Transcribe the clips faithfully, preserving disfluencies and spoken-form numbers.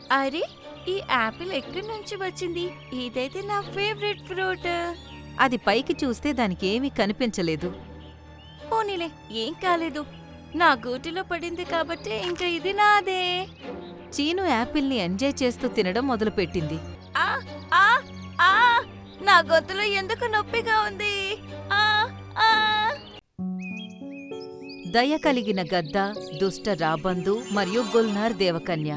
అరే, ఈ యాపిల్ ఎక్కడి నుంచి వచ్చింది? ఇదైతే నా ఫేవరెట్ ఫ్రూట్. అది పైకి చూస్తే దానికేమీ కనిపించలేదు. పోనీలే, ఏం కాలేదు. నా గూటిలో పడింది కాబట్టి ఇంకా ఇది నాదే. చీను యాపిల్ని ఎంజాయ్ చేస్తూ తినడం మొదలుపెట్టింది. ఆ ఆ ఆ నా గొంతులో ఎందుకు నొప్పిగా ఉంది? ఆ ఆ దయ కలిగిన గద్ద, దుష్ట రాబందు మరియు గుల్నార్ దేవకన్య.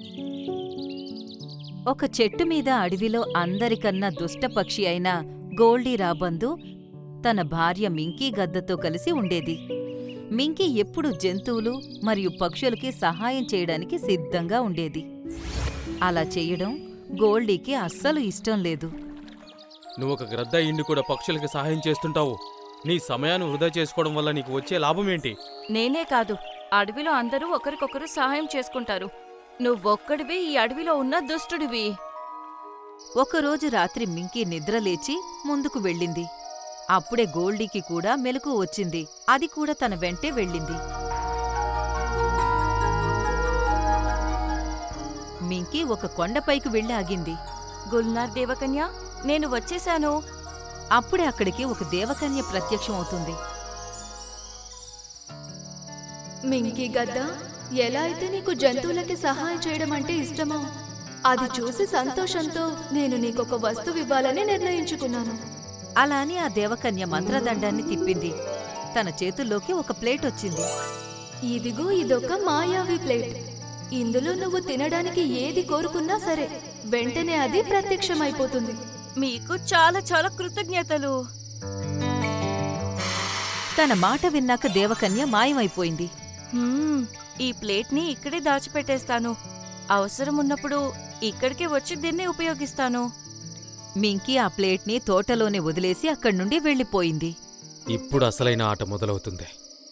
ఒక చెట్టు మీద అడవిలో అందరికన్నా దుష్ట పక్షి అయిన గోల్డీ రాబందు తన భార్య మింకీ గద్దతో కలిసి ఉండేది. మింకీ ఎప్పుడూ జంతువులు మరియు పక్షులకి సహాయం చేయడానికి సిద్ధంగా ఉండేది. అలా చెయ్యడం గోల్డీకి అస్సలు ఇష్టం లేదు. నువ్వొక గ్రద్ద ఇండి కూడా పక్షులకి సహాయం చేస్తుంటావు. నీ సమయాన్ని వృధా చేసుకోవడం వల్ల నీకు వచ్చే లాభమేంటి? నేనే కాదు, అడవిలో అందరూ ఒకరికొకరు సహాయం చేసుకుంటారు. నువ్వొక్కడివి ఈ అడవిలో ఉన్న దుష్టుడివి. ఒకరోజు రాత్రి మింకీ నిద్రలేచి ముందుకు వెళ్ళింది. అప్పుడే గోల్డీకి కూడా మెలకువ వచ్చింది. అది కూడా తన వెంటే వెళ్ళింది. మింకీ ఒక కొండపైకి వెళ్ళి ఆగింది. గుల్నార్ దేవకన్య, నేను వచ్చేశాను. అప్పుడే అక్కడికి ఒక దేవకన్య ప్రత్యక్షమవుతుంది. మింకీ గద్ద, ఎలా అయితే నీకు జంతువులకి సహాయం చేయడం అంటే ఇష్టమో అది చూసి సంతోషంతో నేను నీకొక వస్తువు ఇవ్వాలని నిర్ణయించుకున్నాను. అలా అని ఆ దేవకన్య మంత్రదండాన్ని తిప్పింది. తన చేతుల్లోకి ఒక ప్లేట్ వచ్చింది. ఇదిగో ఇదొక మాయావి ప్లేట్. ఇందులో నువ్వు తినడానికి ఏది కోరుకున్నా సరే వెంటనే అది ప్రత్యక్షమైపోతుంది. మీకు చాలా చాలా కృతజ్ఞతలు. తన మాట విన్నాక దేవకన్య మాయమైపోయింది. హ్మ్, ఈ ప్లేట్ని ఇక్కడే దాచిపెట్టేస్తాను. అవసరం ఉన్నప్పుడు ఇక్కడికే వచ్చి దీన్ని ఉపయోగిస్తాను. మింకీ ఆ ప్లేట్ని తోటలోనే వదిలేసి అక్కడి నుండి వెళ్ళిపోయింది. ఇప్పుడు అసలైన ఆట మొదలవుతుంది.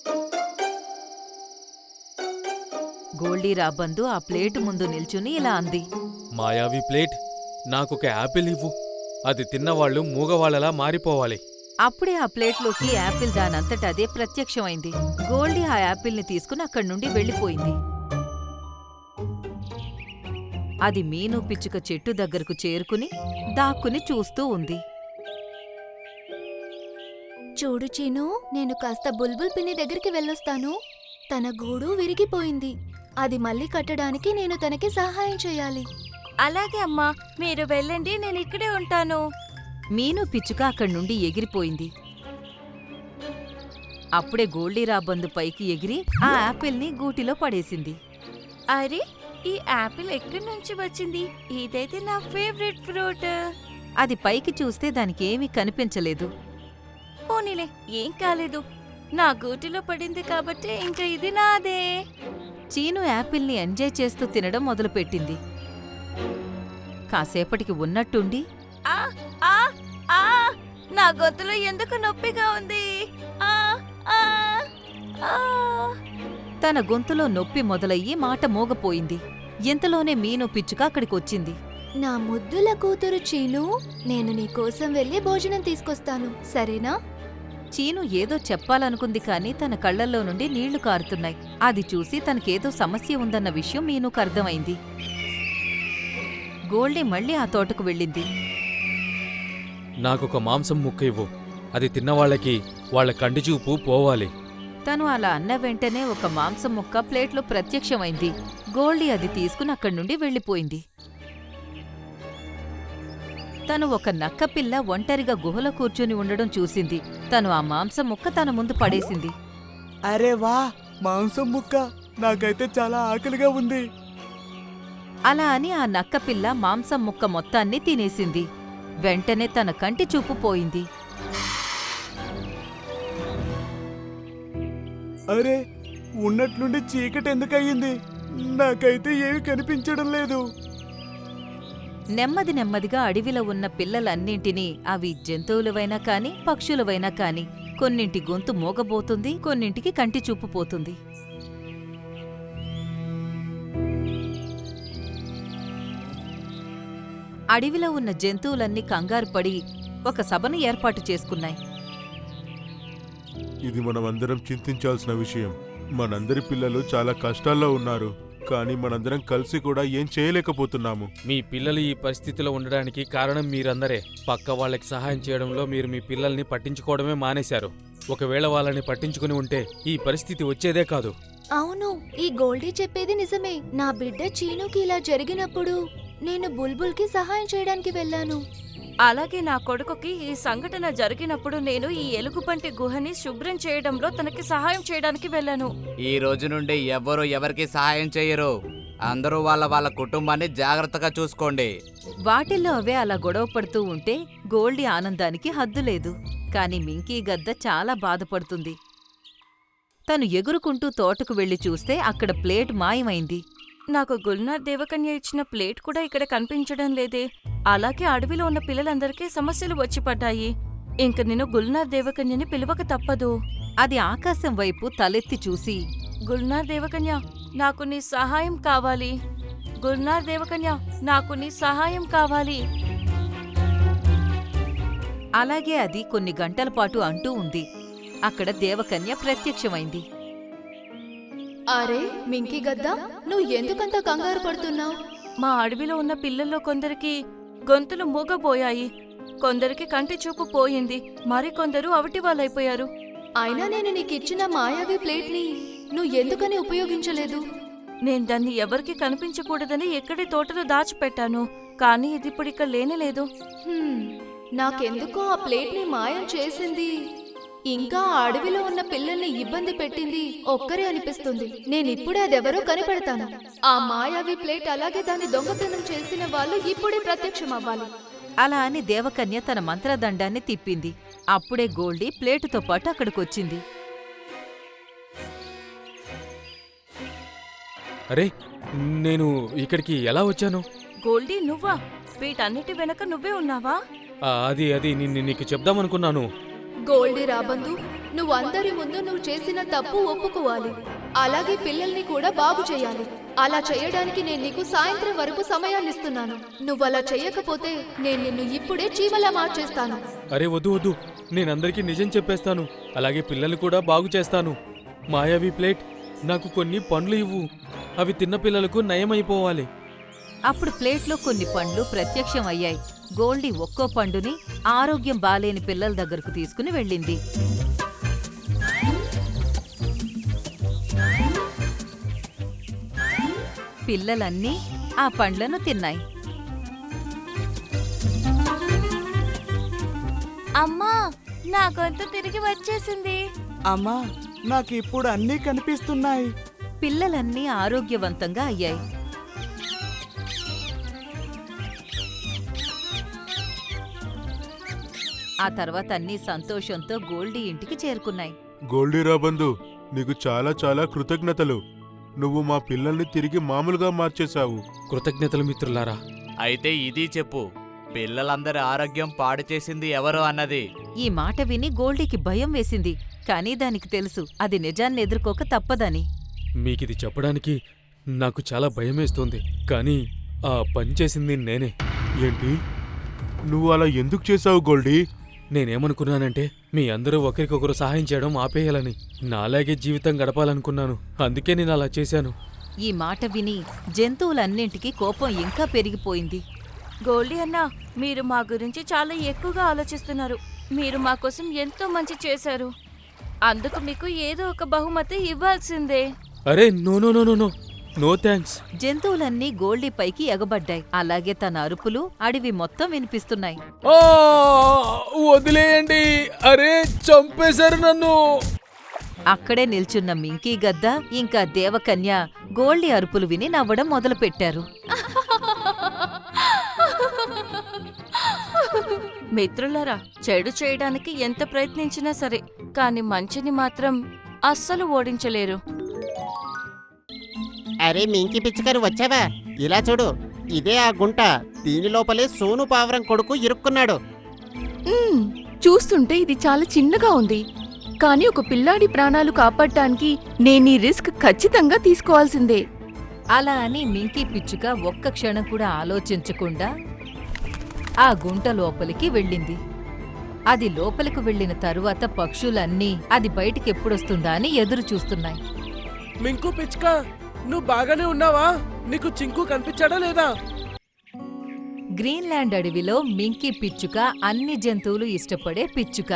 గోల్డీ రాబందు ఆ ప్లేటు ముందు నిల్చుని ఇలా అంది. మాయావి ప్లేట్, నాకొక యాపిల్ ఇవ్వు. అది తిన్నవాళ్లు మూగవాళ్లలా మారిపోవాలి. అప్పుడే ఆ ప్లేట్లోకి యాపిల్ దానంతట అదే ప్రత్యక్షమైంది. గోల్డీ ఆ యాపిల్ని తీసుకుని అక్కడి నుండి వెళ్ళిపోయింది. అది మీను పిచ్చుక చెట్టు దగ్గరకు చేరుకుని దాక్కుని చూస్తూ ఉంది. చూడు చీను, నేను కాస్త బుల్బుల్ పిన్ని దగ్గరికి వెళ్ళొస్తాను. తన గూడు విరిగిపోయింది. అది మళ్ళీ కట్టడానికి నేను తనకి సహాయం చేయాలి. అలాగే అమ్మా, మీరు వెళ్ళండి, నేను ఇక్కడే ఉంటాను. మీను పిచ్చుక అక్కడి నుండి ఎగిరిపోయింది. అప్పుడే గోల్డీ రాబందు పైకి ఎగిరి ఆ యాపిల్ని గూటిలో పడేసింది. అరే, ఈ యాపిల్ ఎక్కడి నుంచి వచ్చింది? ఇదైతే నా ఫేవరెట్ ఫ్రూట్. అది పైకి చూస్తే దానికేమీ కనిపించలేదు. పోనీలే, ఏం కాలేదు. నా గూటిలో పడింది కాబట్టి ఇంకా ఇది నాదే. చీను యాపిల్ని ఎంజాయ్ చేస్తూ తినడం మొదలుపెట్టింది. కాసేపటికి ఉన్నట్టుండి ఆ ఆ ఆ నా గొంతులో ఎందుకు నొప్పిగా ఉంది? ఆ ఆ ఆ తన గొంతులో నొప్పి మొదలయ్యి మాట మోగపోయింది. ఇంతలోనే మీను పిచ్చుక అక్కడికొచ్చింది. నా ముద్దుల కూతురు చీను, నేను నీకోసం వెళ్ళి భోజనం తీసుకొస్తాను, సరేనా? చీను ఏదో చెప్పాలనుకుంది కాని తన కళ్లల్లో నుండి నీళ్లు కారుతున్నాయి. అది చూసి తనకేదో సమస్య ఉందన్న విషయం మీనుకు అర్థమైంది. గోల్డీ మళ్ళీ ఆ తోటకు వెళ్ళింది. నాకొక మాంసం ముక్క ఇవ్వు. అది తిన్నవాళ్లకి వాళ్ల కంటిచూపు పోవాలి. తను అలా అన్న వెంటనే ఒక మాంసం ముక్క ప్లేట్లో ప్రత్యక్షమైంది. గోల్డీ అది తీసుకుని అక్కడి నుండి వెళ్ళిపోయింది. తను ఒక నక్కపిల్ల ఒంటరిగా గుహలో కూర్చుని ఉండడం చూసింది. తను ఆ మాంసం ముక్క తన ముందు పడేసింది. అరే వా, మాంసం ముక్క! నాకైతే చాలా ఆకలిగా ఉంది. అలా అని ఆ నక్కపిల్ల మాంసం ముక్క మొత్తాన్ని తినేసింది. వెంటనే తన కంటి చూపు పోయింది. అరే, ఉన్నట్లుండి చీకటి ఎందుకయ్యింది? నాకైతే ఏమీ కనిపించడం లేదు. నెమ్మది నెమ్మదిగా అడవిలో ఉన్న పిల్లలన్నింటినీ, అవి జంతువులవైనా కాని పక్షులవైనా కాని, కొన్నింటి గొంతు మోగబోతుంది, కొన్నింటికి కంటి చూపు పోతుంది. అడవిలో ఉన్న జంతువులన్నీ కంగారు పడి ఒక సభను ఏర్పాటు చేసుకున్నాయి. ఇది మనమందరం చింతించాల్సిన విషయం. మనందరి పిల్లలు చాలా కష్టాల్లో ఉన్నారు. కానీ మనందరం కలిసి కూడా ఏం చేయలేకపోతున్నాము. మీ పిల్లలు ఈ పరిస్థితిలో ఉండడానికి కారణం మీరందరే. పక్క వాళ్ళకి సహాయం చేయడంలో మీరు మీ పిల్లల్ని పట్టించుకోవడమే మానేశారు. ఒకవేళ వాళ్ళని పట్టించుకుని ఉంటే ఈ పరిస్థితి వచ్చేదే కాదు. అవును, ఈ గోల్డీ చెప్పేది నిజమే. నా బిడ్డ చీనుకి ఇలా జరిగినప్పుడు నేను బుల్బుల్కి సహాయం చేయడానికి వెళ్ళాను. అలాగే నా కొడుకుకి ఈ సంఘటన జరిగినప్పుడు నేను ఈ ఎలుగుబంటి గుహని శుభ్రం చేయడంలో తనకి సహాయం చేయడానికి వెళ్ళాను. ఈ రోజు నుండి ఎవ్వరూ ఎవరికి సహాయం చేయరు. అందరూ వాళ్ళ వాళ్ళ కుటుంబాన్ని జాగ్రత్తగా చూసుకోండి. వాటిల్లో అవే అలా గొడవ పడుతూ ఉంటే గోల్డీ ఆనందానికి హద్దులేదు. కాని మింకీ గద్ద చాలా బాధపడుతుంది. తను ఎగురుకుంటూ తోటకు వెళ్లి చూస్తే అక్కడ ప్లేట్ మాయమైంది. నాకు గుల్నార్ దేవకన్య ఇచ్చిన ప్లేట్ కూడా ఇక్కడ కనిపించడం లేదే. అలాగే అడవిలో ఉన్న పిల్లలందరికీ సమస్యలు వచ్చి పడ్డాయి. ఇంక నేను గుల్నార్ దేవకన్యని పిలవక తప్పదు. అది ఆకాశం వైపు తలెత్తి చూసి, గుల్నార్ దేవకన్య, నాకు నీ సహాయం కావాలి. గుల్నార్ దేవకన్య, నాకు నీ సహాయం కావాలి. అలాగే అది కొన్ని గంటల పాటు అంటూ ఉంది. అక్కడ దేవకన్య ప్రత్యక్షమైంది. అరే మింకీ గద్దా, నువ్వు ఎందుకంత కంగారు పడుతున్నావు? మా అడవిలో ఉన్న పిల్లల్లో కొందరికి గొంతులు మూగబోయాయి, కొందరికి కంటి చూపు పోయింది, మరికొందరు అవిటి వాళ్ళైపోయారు. అయినా నేను నీకిచ్చిన మాయావి ప్లేట్ని నువ్వు ఎందుకని ఉపయోగించలేదు? నేను దాన్ని ఎవరికి కనిపించకూడదని ఎక్కడి తోటలో దాచిపెట్టాను, కానీ ఇది ఇప్పుడు ఇక్కడ లేనేలేదు. హ్మ్, నాకెందుకో ఆ ప్లేట్ని మాయం చేసింది ఇంకా ఆ అడవిలో ఉన్న పిల్లల్ని ఇబ్బంది పెట్టింది ఒక్కరే అనిపిస్తుంది. నేనిప్పుడే అదెవరో కనిపెడతాను. ఆ మాయావి ప్లేట్ అలాగే దాన్ని దొంగతనం చేసిన వాళ్ళు ఇప్పుడే ప్రత్యక్షమవ్వాలి. అలా అని దేవకన్య తన మంత్రదండాన్ని తిప్పింది. అప్పుడే గోల్డీ ప్లేటుతో పాటు అక్కడికొచ్చింది. అరే, నేను ఇక్కడికి ఎలా వచ్చాను? గోల్డీ, నువ్వా? వీటన్నిటి వెనక నువ్వే ఉన్నావా? ఆ, అది అది నిన్ను నీకు చెప్దామనుకున్నాను. గోల్డీ రాబందు, నువ్వు అందరి ముందు నువ్వు చేసిన తప్పు ఒప్పుకోవాలి. అలాగే పిల్లల్ని కూడా బాగు చేయాలి. అలా చేయడానికి నేను నీకు సాయంత్రం వరకు సమయాన్నిస్తున్నాను. నువ్వు అలా చెయ్యకపోతే నేను నిన్ను ఇప్పుడే చీమలా మార్చేస్తాను. అరే వద్దు వద్దు, నేనందరికీ నిజం చెప్పేస్తాను. అలాగే పిల్లల్ని కూడా బాగు చేస్తాను. మాయావి ప్లేట్, నాకు కొన్ని పండ్లు ఇవ్వు. అవి తిన్న పిల్లలకు నయమైపోవాలి. అప్పుడు ప్లేట్లో కొన్ని పండ్లు ప్రత్యక్షం అయ్యాయి. గోల్డీ ఒక్కో పండుని ఆరోగ్యం బాలేని పిల్లల దగ్గరకు తీసుకుని వెళ్ళింది. పిల్లలన్నీ ఆ పండ్లను తిన్నాయి. అమ్మా, నా గొంతు తిరిగి వచ్చేసింది. అమ్మా, నాకు ఇప్పుడు అన్నీ కనిపిస్తున్నాయి. పిల్లలన్నీ ఆరోగ్యవంతంగా అయ్యాయి. ఆ తర్వాత అన్నీ సంతోషంతో గోల్డీ ఇంటికి చేరుకున్నాయి. గోల్డీ రాబందు, నీకు చాలా చాలా కృతజ్ఞతలు. నువ్వు మా పిల్లల్ని తిరిగి మామూలుగా మార్చేశావు. కృతజ్ఞతలు మిత్రులారా. అయితే ఇది చెప్పు, పిల్లలందరి ఆరోగ్యం పాడు చేసింది ఎవరు అన్నది. ఈ మాట విని గోల్డీకి భయం వేసింది. కానీ దానికి తెలుసు అది నిజాన్ని ఎదుర్కోక తప్పదని. మీకిది చెప్పడానికి నాకు చాలా భయమేస్తోంది, కానీ ఆ పని చేసింది నేనే. ఏంటి? నువ్వు అలా ఎందుకు చేశావు గోల్డీ? నేనేమనుకున్నానంటే మీ అందరూ ఒకరికొకరు సహాయం చేయడం ఆపేయాలని, నాలాగే జీవితం గడపాలనుకున్నాను. అందుకే నేను అలా చేశాను. ఈ మాట విని జంతువులన్నింటికీ కోపం ఇంకా పెరిగిపోయింది. గోల్డీ అన్నా, మీరు మా గురించి చాలా ఎక్కువగా ఆలోచిస్తున్నారు. మీరు మా కోసం ఎంతో మంచి చేశారు. అందుకు మీకు ఏదో ఒక బహుమతి ఇవ్వాల్సిందే. అరే no no no no no no thanks. జంతువులన్నీ గోల్డీ పైకి ఎగబడ్డాయి. అలాగే తన అరుపులు అడవి మొత్తం వినిపిస్తున్నాయి. ఆ, వదిలేయండి. అరే చంపేశారు నన్ను. అక్కడే నిల్చున్న మింకీ గద్ద ఇంకా దేవకన్య గోల్డీ అరుపులు విని నవ్వడం మొదలుపెట్టారు. మిత్రులారా, చెడు చేయడానికి ఎంత ప్రయత్నించినా సరే, కాని మంచిని మాత్రం అస్సలు ఓడించలేరు. అరే మింకి పిచ్చికారు వచ్చావా? ఇలా చూడు, ఇదే ఆ గుంట. దీని లోపలే సోను పావురం కొడుకు ఇరుక్కున్నాడు. మ్మ్, చూస్తుంటే ఇది చాలా చిన్నగా ఉంది. కానీ ఒక పిల్లాడి ప్రాణాలు కాపాడటానికి నేనీ రిస్క్ ఖచ్చితంగా తీసుకోవాల్సిందే. అలా అని మింకీ పిచ్చుక ఒక్క క్షణం కూడా ఆలోచించకుండా ఆ గుంట లోపలికి వెళ్ళింది. అది లోపలికి వెళ్లిన తరువాత పక్షులన్నీ అది బయటికెప్పుడొస్తుందా అని ఎదురు చూస్తున్నాయి. మింకు పిచ్చుక, నువ్వు బాగానే ఉన్నావా? నీకు చింకు కనిపించాడా లేదా? గ్రీన్లాండ్ అడవిలో మింకీ పిచ్చుక అన్ని జంతువులు ఇష్టపడే పిచ్చుక.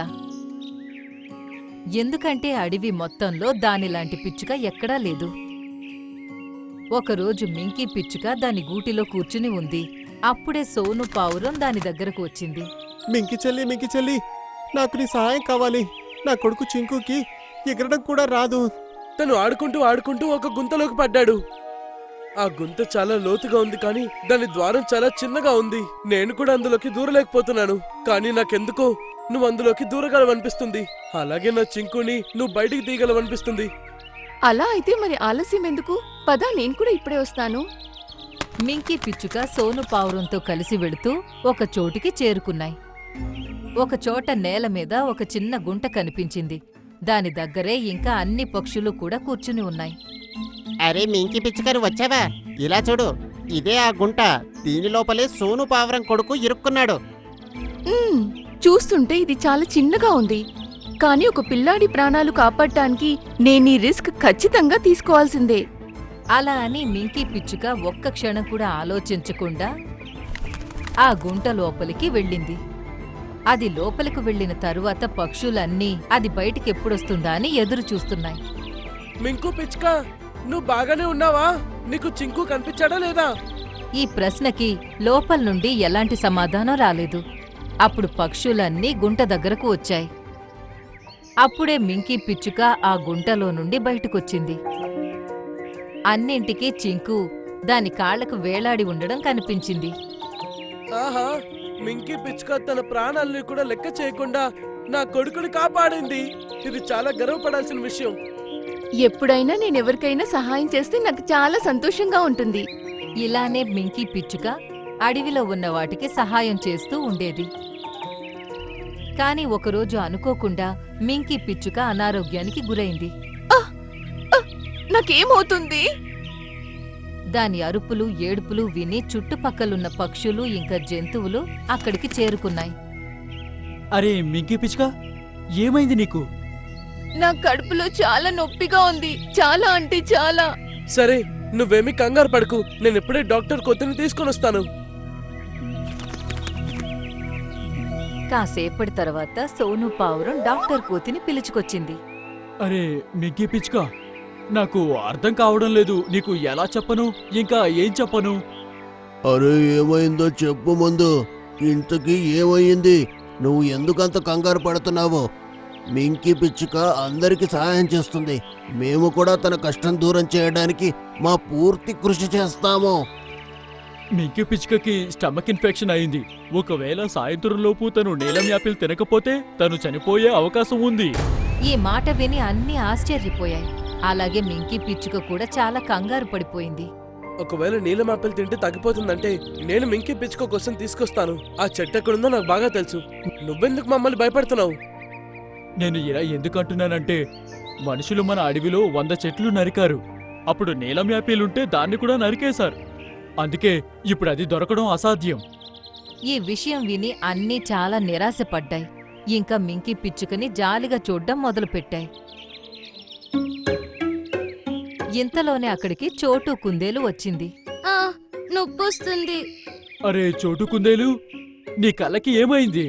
ఎందుకంటే అడవి మొత్తంలో దానిలాంటి పిచ్చుక ఎక్కడా లేదు. ఒకరోజు మింకీ పిచ్చుక దాని గూటిలో కూర్చుని ఉంది. అప్పుడే సోను పావురం దాని దగ్గరకు వచ్చింది. మింకి చెల్లి మింకి చెల్లి నాకు నీ సహాయం కావాలి. నా కొడుకు చింకుకి ఎగరడం కూడా రాదు. తను ఆడుకుంటూ ఆడుకుంటూ ఒక గుంతలోకి పడ్డాడు. ఆ గుంత చాలా లోతుగా ఉంది, కానీ దాని ద్వారం చాలా చిన్నగా ఉంది. నేను కూడా అందులోకి దూరలేకపోతున్నాను, కానీ నాకెందుకో నువ్వు అందులోకి దూరగలవనిపిస్తుంది. అలాగే నా చింకుని నువ్వు బయటికి తీయగలవనిపిస్తుంది. అలా అయితే మరి ఆలస్యం ఎందుకు? పదా, నేను కూడా ఇప్పుడే వస్తాను. మింకీ పిచ్చుక సోను పావురంతో కలిసి వెళుతూ ఒక చోటికి చేరుకున్నాయి. ఒక చోట నేల మీద ఒక చిన్న గుంట కనిపించింది. దాని దగ్గరే ఇంకా అన్ని పక్షులు కూడా కూర్చుని ఉన్నాయి. అరే మింకి పిచ్చుకని వచ్చావా? ఇలా చూడు, ఇదే ఆ గుంట. దీని లోపలే సోను పావురం కొడుకు ఇరుక్కున్నాడు. మ్మ్, చూస్తుంటే ఇది చాలా చిన్నగా ఉంది, కానీ ఒక పిల్లాడి ప్రాణాలు కాపాడటానికి నేను ఈ రిస్క్ ఖచ్చితంగా తీసుకోవాల్సిందే. అలా అని మింకీ పిచ్చుక ఒక్క క్షణం కూడా ఆలోచించకుండా ఆ గుంట లోపలికి వెళ్ళింది. అది లోపలికి వెళ్లిన తరువాత పక్షులన్నీ అది బయటికెప్పుడొస్తుందా అని ఎదురు చూస్తున్నాయి. మింకు పిచ్చుక, నువ్వు బాగానే ఉన్నావా? నీకు చింకు కనిపించాడా లేదా? ఈ ప్రశ్నకి లోపల నుండి ఎలాంటి సమాధానం రాలేదు. అప్పుడు పక్షులన్నీ గుంట దగ్గరకు వచ్చాయి. అప్పుడే మింకీ పిచ్చుక ఆ గుంటలో నుండి బయటకొచ్చింది. అన్నింటికీ చింకు దాని కాళ్లకు వేలాడి ఉండడం కనిపించింది. ఆహా, మింకీ పిచ్చుక తన ప్రాణాలని కూడా లెక్క చేయకుండా నా కొడుకుని కాపాడింది. ఇది చాలా గర్వపడాల్సిన విషయం. ఎప్పుడైనా నేను ఎవరికైనా సహాయం చేస్తే నాకు చాలా సంతోషంగా ఉంటుంది. ఇలానే మింకీ పిచ్చుక అడవిలో ఉన్న వాటికి సహాయం చేస్తూ ఉండేది. కాని ఒకరోజు అనుకోకుండా మింకీ పిచ్చుక అనారోగ్యానికి గురైంది. నాకేమవుతుంది? దాని అరుపులు ఏడుపులు విని చుట్టుపక్కలున్న పక్షులు ఇంకా జంతువులు అక్కడికి చేరుకున్నాయి. అరే మింకి పిచ్చుక, ఏమైంది నీకు? నా కడుపులో చాలా నొప్పిగా ఉంది, చాలా అంటే చాలా. సరే, నువ్వేమీ కంగారు పడకు. నేను ఇప్పుడే డాక్టర్ కొత్తని తీసుకొని వస్తాను. కాసేపటి తర్వాత సోను పావురం డాక్టర్ కోతిని పిలుచుకొచ్చింది. అరే మింకి పిచ్చుక, నాకు అర్థం కావడం లేదు. నీకు ఎలా చెప్పను, ఇంకా ఏం చెప్పను? అరే ఏమైందో చెప్పు ముందు. ఇంతకీ ఏమైంది? నువ్వు ఎందుకంత కంగారు పడుతున్నావు? మింకీ పిచ్చుక అందరికీ సహాయం చేస్తుంది. మేము కూడా తన కష్టం దూరం చేయడానికి మా పూర్తి కృషి చేస్తాము. మింకి పిచ్చుకకి స్టమక్ ఇన్ఫెక్షన్ అయింది. ఒకవేళ సాయంత్రంలోపు తను నీలం యాపిల్ తినకపోతే తను చనిపోయే అవకాశం ఉంది. ఈ మాట విని అన్నీ ఆశ్చర్యపోయాయి. అలాగే మింకీ పిచ్చుక కూడా చాలా కంగారు పడిపోయింది. ఒకవేళ నీలం ఆపిల్ తింటే తగ్గిపోతుందంటే నేను మింకీ పిచ్చుక కోసం తీసుకొస్తాను. ఆ చెట్టు ఎక్కడుందో నాకు బాగా తెలుసు. నువ్వెందుకు మమ్మల్ని భయపడుతున్నావు? నేను ఇలా ఎందుకంటున్నానంటే, మనుషులు మన అడవిలో వంద చెట్లు నరికారు. అప్పుడు నీలం యాపిల్ ఉంటే దాన్ని కూడా నరికేశారు. అందుకే ఇప్పుడు అది దొరకడం అసాధ్యం. ఈ విషయం విని అన్నీ చాలా నిరాశపడ్డాయి. ఇంకా మింకీ పిచ్చుకని జాలిగా చూడ్డం మొదలుపెట్టాయి. ఇంతలోనే అక్కడికి చోటు కుందేలు వచ్చింది. ఆ నొప్పొస్తుంది. అరే చోటు కుందేలు, నీ కళ్ళకి ఏమైంది?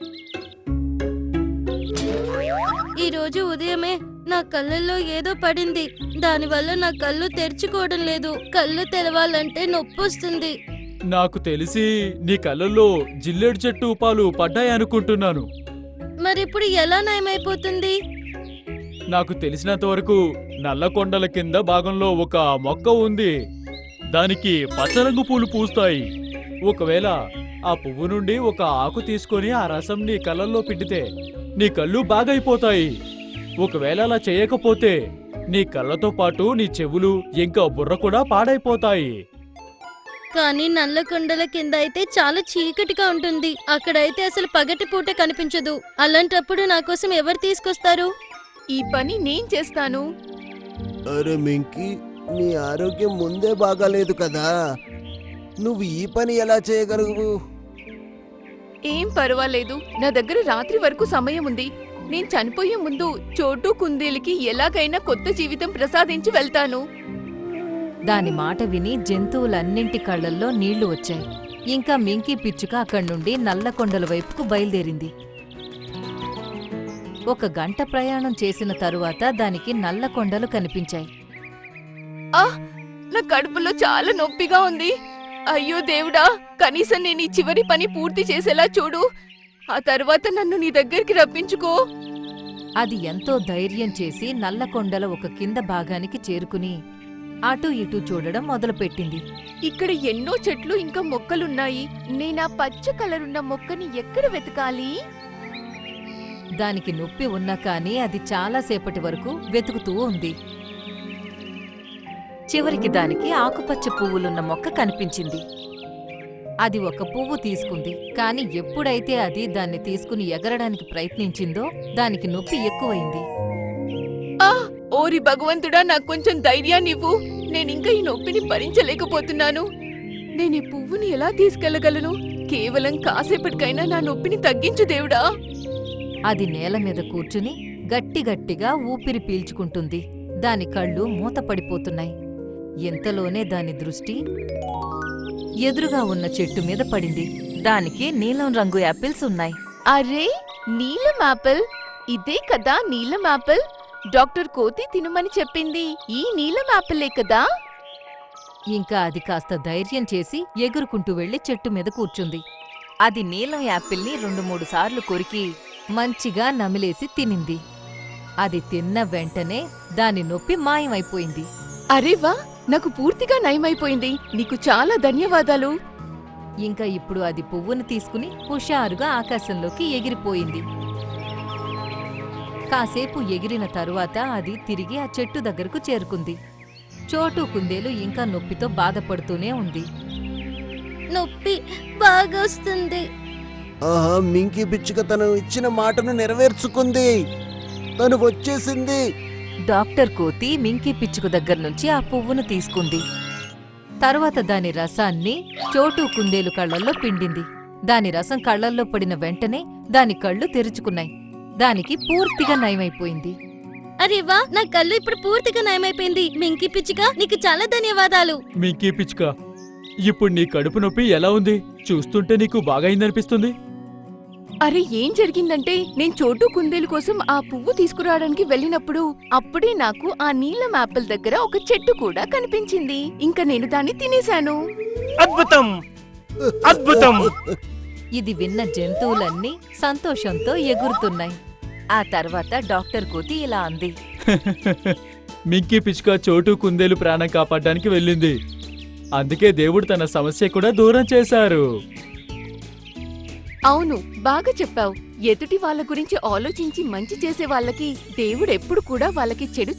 ఈ రోజు ఉదయమే నా కళ్ళల్లో ఏదో పడింది. దానివల్ల నా కళ్ళు తెరుచుకోవడం లేదు. కళ్ళు తెరవాలంటే నొప్పొస్తుంది. నాకు తెలిసి నీ కళ్ళల్లో జిల్లేడు చెట్టు పాలు పడ్డాయనుకుంటున్నాను. మరిప్పుడు ఎలా నయమైపోతుంది? నాకు తెలిసినంత వరకు నల్లకొండల కింద భాగంలో ఒక మొక్క ఉంది. దానికి పచ్చరంగు పూలు పూస్తాయి. ఒకవేళ ఆ పువ్వు నుండి ఒక ఆకు తీసుకొని ఆ రసం నీ కళ్ళల్లో పిండితే నీ కళ్ళు బాగైపోతాయి. ఒకవేళ అలా చేయకపోతే నీ కళ్ళతో పాటు నీ చెవులు ఇంకా బుర్ర కూడా పాడైపోతాయి. కానీ నల్లకొండల కింద అయితే చాలా చీకటిగా ఉంటుంది. అక్కడైతే అసలు పగటి పూట కనిపించదు. అలాంటప్పుడు నా కోసం ఎవరు తీసుకొస్తారు? ఈ పని నేను చేస్తాను. అరే మింకీ, నీ ఆరోగ్యం ముందే బాగాలేదు కదా, నువ్వు ఈ పని ఎలా చేయగలవు? ఏం పర్వాలేదు, నా దగ్గర రాత్రి వరకు సమయం ఉంది. నేను చనిపోయే ముందు చోటు కుందేలుకి ఎలాగైనా కొత్త జీవితం ప్రసాదించి వెళ్తాను. దాని మాట విని జంతువులన్నింటి కళ్ళల్లో నీళ్లు వచ్చాయి. ఇంకా మింకీ పిచ్చుక అక్కడి నుండి నల్లకొండల వైపుకు బయలుదేరింది. ఒక గంట ప్రయాణం చేసిన తరువాత దానికి నల్లకొండలు కనిపించాయి. ఆ నా కడుపులో చాలా నొప్పిగా ఉంది. అయ్యో దేవుడా, కనీసం నేను ఈ చివరి పని పూర్తి చేసేలా చూడు. ఆ తర్వాత నన్ను నీ దగ్గరికి రప్పించుకో. అది ఎంతో ధైర్యం చేసి నల్లకొండల ఒక కింద భాగానికి చేరుకుని అటూ ఇటూ చూడడం మొదలుపెట్టింది. ఇక్కడ ఎన్నో చెట్లు ఇంకా మొక్కలున్నాయి. నేనా పచ్చ కలరున్న మొక్కని ఎక్కడ వెతకాలి? దానికి నొప్పి ఉన్నా కానీ అది చాలాసేపటి వరకు వెతుకుతూ ఉంది. చివరికి దానికి ఆకుపచ్చ పువ్వులున్న మొక్క కనిపించింది. అది ఒక పువ్వు తీసుకుంది. కాని ఎప్పుడైతే అది దాన్ని తీసుకుని ఎగరడానికి ప్రయత్నించిందో దానికి నొప్పి ఎక్కువైంది. ఆ ఓరి భగవంతుడా, నాకు కొంచెం ధైర్యాన్నివ్వు. నేనింకా ఈ నొప్పిని భరించలేకపోతున్నాను. నేను ఈ పువ్వుని ఎలా తీసుకెళ్లగలను? కేవలం కాసేపటికైనా నా నొప్పిని తగ్గించు దేవుడా. అది నేల మీద కూర్చుని గట్టిగట్టిగా ఊపిరి పీల్చుకుంటుంది. దాని కళ్ళు మూతపడిపోతున్నాయి. ఎంతలోనే దాని దృష్టి ఎదురుగా ఉన్న చెట్టు మీద పడింది. దానికి నీలం రంగు యాపిల్స్ ఉన్నాయి. అరే, నీలం యాపిల్! ఇదే కదా నీలం యాపిల్? డాక్టర్ కోతి తినమని చెప్పింది ఈ నీలం యాపిలే కదా? ఇంకా అది కాస్త ధైర్యం చేసి ఎగురుకుంటూ వెళ్లి చెట్టు మీద కూర్చుంది. అది నీలం యాపిల్ని రెండు మూడు సార్లు కొరికి మంచిగా నమిలేసి తినింది. అది తిన్న వెంటనే దాని నొప్పి మాయమైపోయింది. అరే వా, నాకు పూర్తిగా నయమైపోయింది. నీకు చాలా ధన్యవాదాలు. ఇంకా ఇప్పుడు అది పువ్వును తీసుకుని హుషారుగా ఆకాశంలోకి ఎగిరిపోయింది. కాసేపు ఎగిరిన తరువాత అది తిరిగి ఆ చెట్టు దగ్గరకు చేరుకుంది. చోటు కుందేలు ఇంకా నొప్పితో బాధపడుతూనే ఉంది. నొప్పి బాగా వస్తుంది. ఆహా, మింకీ పిచ్చుక తను ఇచ్చిన మాటను నెరవేర్చుకుంది. తను వచ్చేసింది. డాక్టర్ కోతి మింకీ పిచ్చుక దగ్గర్నుంచి ఆ పువ్వును తీసుకుంది. తరువాత దాని రసాన్ని చోటు కుందేలు కళ్ళల్లో పిండింది. దాని రసం కళ్ళల్లో పడిన వెంటనే దాని కళ్ళు తెరుచుకున్నాయి. దానికి పూర్తిగా నయమైపోయింది. అరే వా, నా కళ్ళు ఇప్పుడు పూర్తిగా నయమైపోయింది. మింకీ పిచ్చుక, నీకు చాలా ధన్యవాదాలు. మింకీ పిచ్చుక, ఇప్పుడు నీ కడుపు నొప్పి ఎలా ఉంది? చూస్తుంటే నీకు బాగైందనిపిస్తుంది. అరే, ఏం జరిగిందంటే నేను చోటు కుందేలు కోసం ఆ పువ్వు తీసుకురావడానికి వెళ్ళినప్పుడు అప్పుడే నాకు ఆ నీలం యాపిల్ దగ్గర ఒక చెట్టు కూడా కనిపించింది. ఇంకా నేను దాన్ని తినేశాను. అద్భుతం, అద్భుతం! ఇది విన్న జంతువులన్నీ సంతోషంతో ఎగురుతున్నాయి. ఆ తర్వాత డాక్టర్ కోతి ఇలా అంది. మింకీ పిచ్చుక చోటు కుందేలు ప్రాణం కాపాడడానికి వెళ్ళింది. అందుకే దేవుడు తన సమస్య కూడా దూరం చేశారు. అవును, బాగా చెప్పావు. ఎదుటి వాళ్ళ గురించి ఆలోచించి మంచి చేసే వాళ్ళకి దేవుడెప్పుడు కూడా వాళ్ళకి చెడు